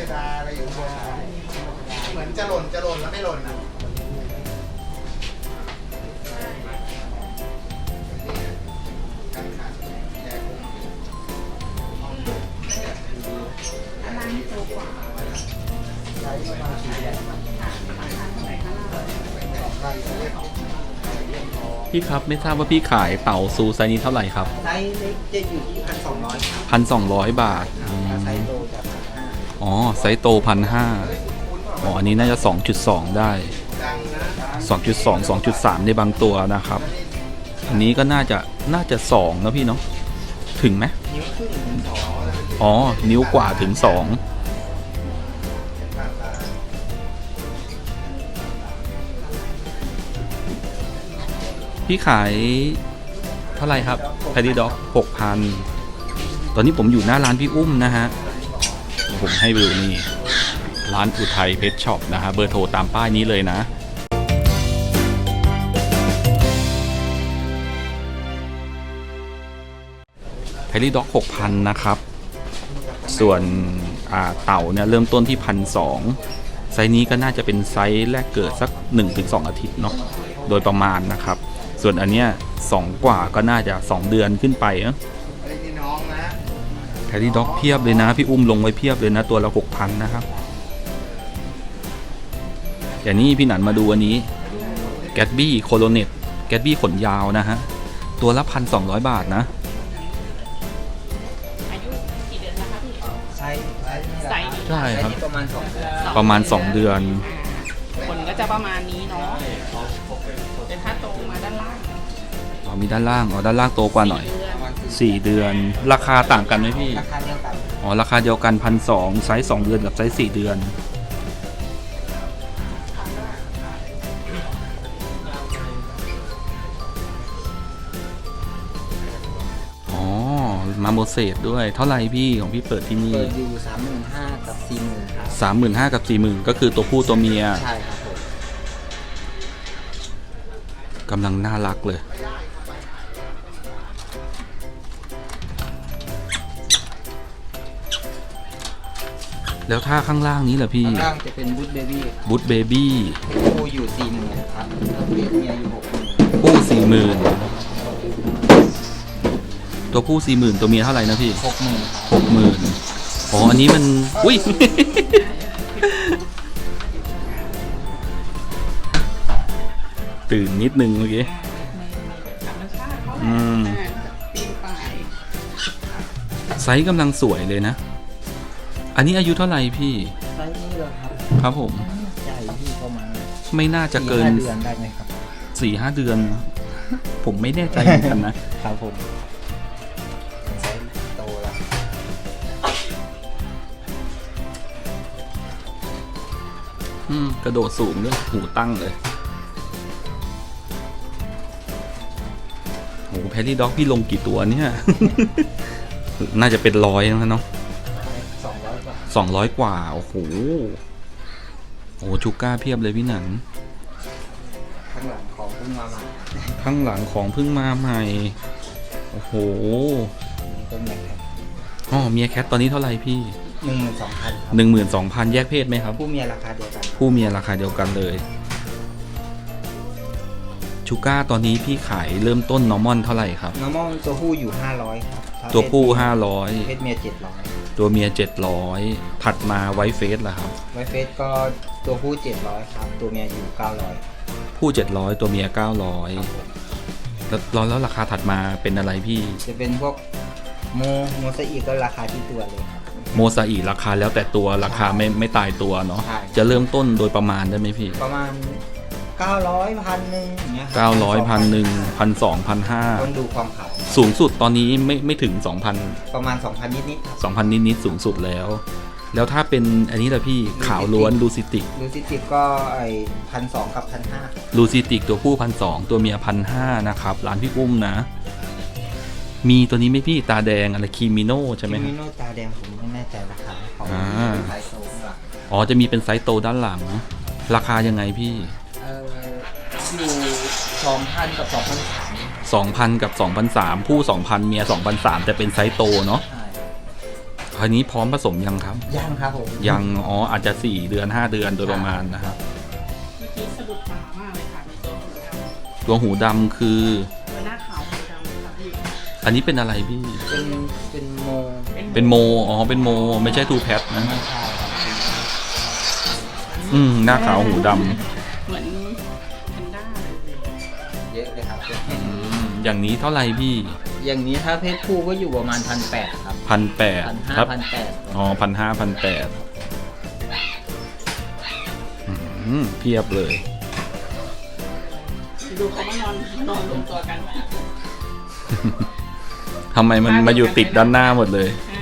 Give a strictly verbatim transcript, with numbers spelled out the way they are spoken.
ดาอะไรอยู่บนเหมือนจะหล่นจะหล่นแล้วไม่หล่นนะพี่ครับไม่ทราบว่าพี่ขายเต่าซูไซส์นี้เท่าไหร่ครับไซส์เล็กจะอยู่ที่พันสองร้อยครับพันสองร้อยบาทถ้าไซส์โตจะพันห้าอ๋อไซส์โตพันห้าอ๋ออันนี้น่าจะ สองจุดสอง ได้ สองจุดสอง สองจุดสาม ในบางตัวนะครับอันนี้ก็น่าจะน่าจะสองนะพี่เนาะถึงไหมนิ้วครึ่งถึงสองอ๋อนิ้วกว่าถึงสองพี่ขายเท่าไหร่ครับแพดดี้ด็อก หกพัน ตอนนี้ผมอยู่หน้าร้านพี่อุ้มนะฮะผมให้ดูนี่ร้านอุทัยเพชรช็อปนะฮะเบอร์โทรตามป้ายนี้เลยนะแพดดี้ด็อก หกพัน นะครับส่วนเต่าเนี่ยเริ่มต้นที่ หนึ่งพันสองร้อย ไซส์นี้ก็น่าจะเป็นไซส์แรกเกิดสัก หนึ่งถึงสอง อาทิตย์เนาะโดยประมาณนะครับส่วนอันเนี้ยสองกว่าก็น่าจะสองเดือนขึ้นไปเนาะแพดดี้ด็อกเพียบเลยนะพี่อุ้มลงไว้เพียบเลยนะตัวละ หกพัน นะครับแต่นี่พี่หนันมาดูอันนี้แกตบี้โคโลเนตแกตบี้ขนยาวนะฮะตัวละ หนึ่งพันสองร้อย บาทนะอายุกี่เดือนแล้วคะพี่ไซส์ไซส์ใช่ครับประมาณสองเดือนประมาณสองเดือนผลก็จะประมาณนี้เนาะเป็นถ้าโตมาด้านล่างอ๋อมีด้านล่างอ๋อด้านล่างโตกว่าหน่อยสี่เดือนราคาต่างกันไหมพี่ราคาเดียวกันอ๋อราคาเดียวกัน หนึ่งพันสองร้อย ไซส์สองเดือนกับไซส์สี่เดือนอ๋อมาโมเสสด้วยเท่าไหร่พี่ของพี่เปิดที่นี่เปิดอยู่ สามหมื่นห้าพัน กับ สี่หมื่น ครับสามหมื่นห้าพัน กับ สี่หมื่น ก็คือตัวผู้ตัวเมียใช่ครับผมกำลังน่ารักเลยแล้วถ้าข้างล่างนี้เหรอพี่ข้างล่างจะเป็นบูทเบบี้บูทเบบี้คู่อยู่ สี่หมื่น ครับเมียอยู่ หกหมื่นคู่ สี่หมื่น ตัวผู้ สี่หมื่น ตัวเมียเท่าไหร่นะพี่หกหมื่นหกหมื่น อ๋ออันนี้มันอุ้ย ตื่นนิดนึงเมื่อกี้อืมไซส์กำลังสวยเลยนะอันนี้อายุเท่าไหร่พี่ไซส์นี้เหรอครับครับผมใหญ่พี่ประมาณไม่น่าจะเกินเดือนได้ไหมครับสี่ห้าเดือนผมไม่แน่ใจเหมือนกันนะครับผมไซส์โตแล้วอืมกระโดดสูงด้วยหูตั้งเลยโหแพดดี้ด็อกพี่ลงกี่ตัวเนี่ย น่าจะเป็นร้อยนะเนาะสองร้อยกว่าสองร้อยกว่าโอ้โหโอ้ชูก้าเพียบเลยพี่หนันข้างหลังของเพิ่งมาใหม่ข้างหลังของเพิ่งมาใหม่โอ้โหนี่ก็เมียแคทอ๋อเมียแคทตอนนี้เท่าไหร่พี่หนึ่งหมื่นสองพันหนึ่งหมื่นสองพันแยกเพศไหมครับผู้เมียราคาเดียวกันผู้เมียราคาเดียวกันเลยชูก้าตอนนี้พี่ขายเริ่มต้นนอร์มอนเท่าไหร่ครับนอร์มอนตัวผู้อยู่ห้าร้อยครับตัวผู้ห้าร้อยเพศเมียเจ็ดร้อยตัวเมียเจ็ดร้อยถัดมาไวท์เฟสล่ะครับไวท์เฟสก็ตัวผู้เจ็ดร้อยครับตัวเมียอยู่เก้าร้อยผู้เจ็ดร้อยตัวเมียเก้าร้อยแล้วแล้วราคาถัดมาเป็นอะไรพี่จะเป็นพวกโมโมซาอิก็ราคาที่ตัวเลยครับโมซาอิราคาแล้วแต่ตัวราคาไม่ไม่ตายตัวเนาะจะเริ่มต้นโดยประมาณได้ไหมพี่ประมาณเก้าร้อยพันหนึ่งอย่างเงี้ยเก้าร้อยพันหนึ่งพันสองพันห้าต้องดูความขาวสูงสุดตอนนี้ไม่ไม่ถึงสองพันประมาณสองพันนิดนิดสองพันนิดนิดสูงสุดแล้วแล้วถ้าเป็นอันนี้ล่ะพี่ขาวล้วนลูซิติกลูซิติกก็ไอพันสองกับพันห้าลูซิติกตัวผู้พันสองตัวเมียพันห้านะครับร้านพี่อุ้มนะมีตัวนี้ไหมพี่ตาแดงอะไรคิมิโนใช่ไหมคิมิโนตาแดงผมไม่แน่ใจราคาของไซส์โตข้างหลังอ๋อจะมีเป็นไซส์โตด้านหลังราคายังไงพี่อยู่สองพันกับสองพันสามสองพันกับสองพันสามผู้สองพันเมียสองพันสามแต่เป็นไซส์โตเนาะราวนี้พร้อมผสมยังครับยังครับผมยัง อ๋อ อาจจะสี่เดือนห้าเดือนโดยประมาณนะครับเมื่อกี้สะดุดตามากเลยค่ะในตัวหูดำตัวหูดำคือตัวหน้าขาวหูดำค่ะพี่อันนี้เป็นอะไรพี่เป็นเป็นโมเป็นโม อ๋อ เป็นโม ไม่ใช่ทูแพทนะไม่ใช่ครับอืม หน้าขาวหูดเหมือนแพนด้าเลยเยอะเลยครับำอืมอย่างนี้เท่าไหร่พี่อย่างนี้ถ้าเพศผู้ก็อยู่ประมาณพันแปดครับพันแปดพันห้าครับพันแปดอ๋อพันห้าพันแปดเพียบเลยดูเขามานอนนอนรวมตัวกันทำไมมันมาอยู่ติดด้านหน้าหมดเลยใช่